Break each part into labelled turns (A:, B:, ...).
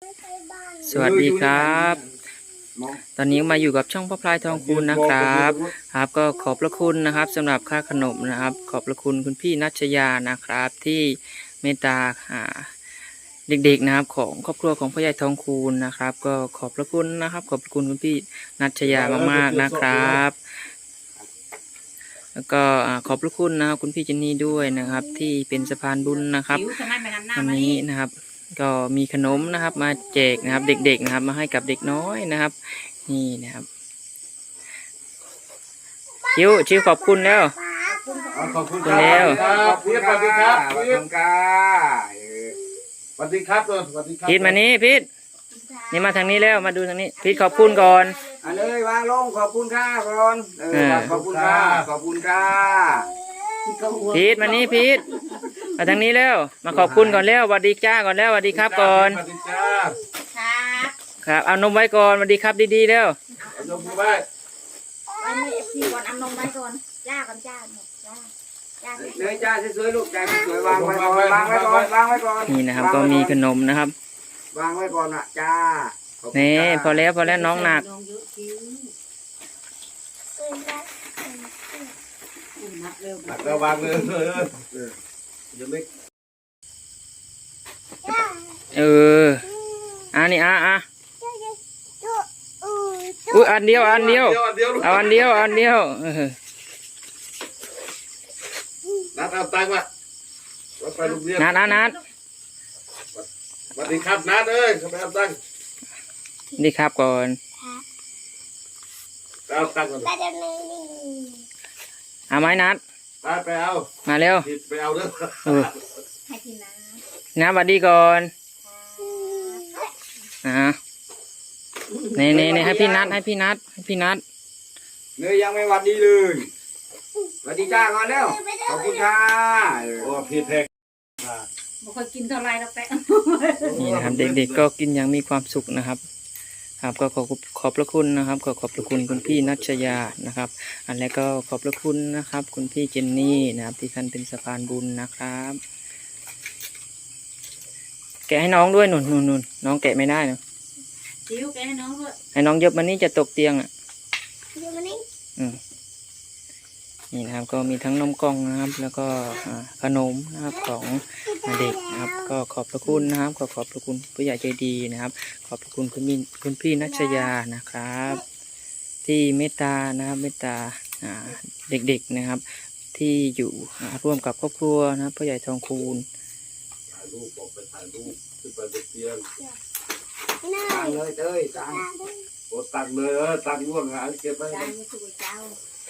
A: สวัสดีครับตอนนี้มาอยู่กับช่องพ่อพลายทองคูณนะครับก็ขอบพระคุณนะครับสำหรับค่าขนมนะครับขอบพระคุณคุณพี่นัชยานะครับที่เมตตาเด็กๆนะครับของครอบครัวของพ่อใหญ่ทองคูณนะครับ ก็ขอบพระคุณนะครับขอบพระคุณคุณพี่นัชยามากๆนะครับแล้วก็ขอบพระคุณนะครับคุณพี่เจนนี่ด้วยนะครับที่เป็นสะพานบุญนะครับวันนี้นะครับก็มีขนมนะครับมาแจกนะครับเด็กๆนะครับมาให้กับเด็กน้อยนะครับนี่นะครับชิวขอบคุณแล้ว
B: ขอบคุณแล้วพี่สวัสดีครับสวัสดีครับสวัสดีครับสวัสดีครับ
A: พีทมานี้พีทนี่มาทางนี้แล้วมาดูทางนี้พีทขอบคุณก่อน
C: เลยวางลงขอบคุณค่ะก่อนขอบคุณค่ะขอบคุณค่ะ
A: พีทมานี้พีทมาทางนี้แล้วมาขอบคุณก่อนแล้วสวัสดีจ้าก่อนแล้วสวัสดีครับก่อน
B: สวัสดีจ้า
A: ครับเอานมไว้ก่อนสวัสดีครับดีๆแล้ว
B: เอานมไว้
D: ไม่เอฟซีก่อนเอานมไว้ก่อนจ้าก่อนจ้า
C: เลยจ้าสวยๆลูกจ้าสวยๆวางไว้ก่อนวางไว้ก่อนวางไว้ก่อน
A: นี่นะครับก็มีขนมนะครับ
C: วางไว้ก่อนนะจ้า
A: นี่พอแล้วน้องหนัก
B: หนักแล้ววางเลยยังไม่
A: นี่อุ้ยอันเดียวเอาอันเดียว
B: นัดเอาตังค์มาไปโรงเรียน
A: นัด
B: สวัสดีครับนัดทำไมเอาตังค์
A: ดีครับก่อน
B: เอาตังค์ก่อน
A: เอาไหมนัด
B: ไปเอา
A: มาเร็ว
B: ไปเอาเด้อ
D: ให้กิน
A: น้ำสวัสดีก่อนนี่ให้พี่นัด
C: เนยยังไม่วัดดีเลยวัดดีจ้าก่อนแล้วขอบคุณค่ะ
B: โอ้พี่แพง
D: บอกเคยกินเท่าไรแล้วแป๊ะ
A: นี่นะครับเด็กๆก็กินอย่างมีความสุขนะครับก็ขอบพระคุณนะครับขอบพระคุณคุณพี่นัชยานะครับแล้วก็ขอบพระคุณนะครับคุณพี่เจนนี่นะครับที่ท่านเป็นสะพานบุญนะครับแกะให้น้องด้วยนุ่นน้องแกะไม่ได้เนาะ
D: จิ๋วแกะให้น้องด้วย
A: ให้น้องเยอะมันนี่จะตกเตียง
D: เยอะมันนี่
A: นี่นะครับก็มีทั้งนมกล่องนะครับแล้วก็ขนมนะครับของเด็กนะครับก็ขอบพระคุณนะครับขอบพระคุณผู้ใหญ่ใจดีนะครับขอบพระคุณคุณพี่นัชยานะครับที่เมตตานะครับเมตตาเด็กๆนะครับที่อยู่ร่วมกับครอบครัวนะครับผู้ใหญ่ทองคูณ
B: ถ่ายรูปบอกไปถ่ายรูปขึ้นไปบนเตียง
C: ตังเลยเต้ยตัง
B: โอ้ตังเลยตังร่วงเก็บไว้
D: จ้าไม่ถูกเจ้า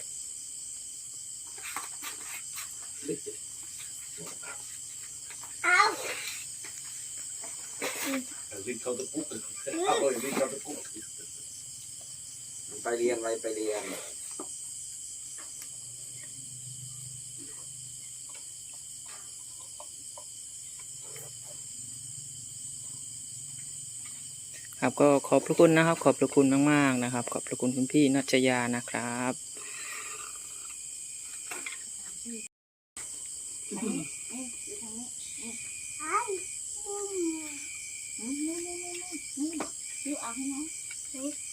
B: วิ่งเข้าตะกุกเอาเลยวิ่งเข้าตะกุก
C: ไปเรียน
A: ครับก็ขอบพระคุณนะครับขอบพระคุณมากๆนะครับขอบพระคุณคุณพี่นัชยานะครับ
D: ดูเอาให้น้องดู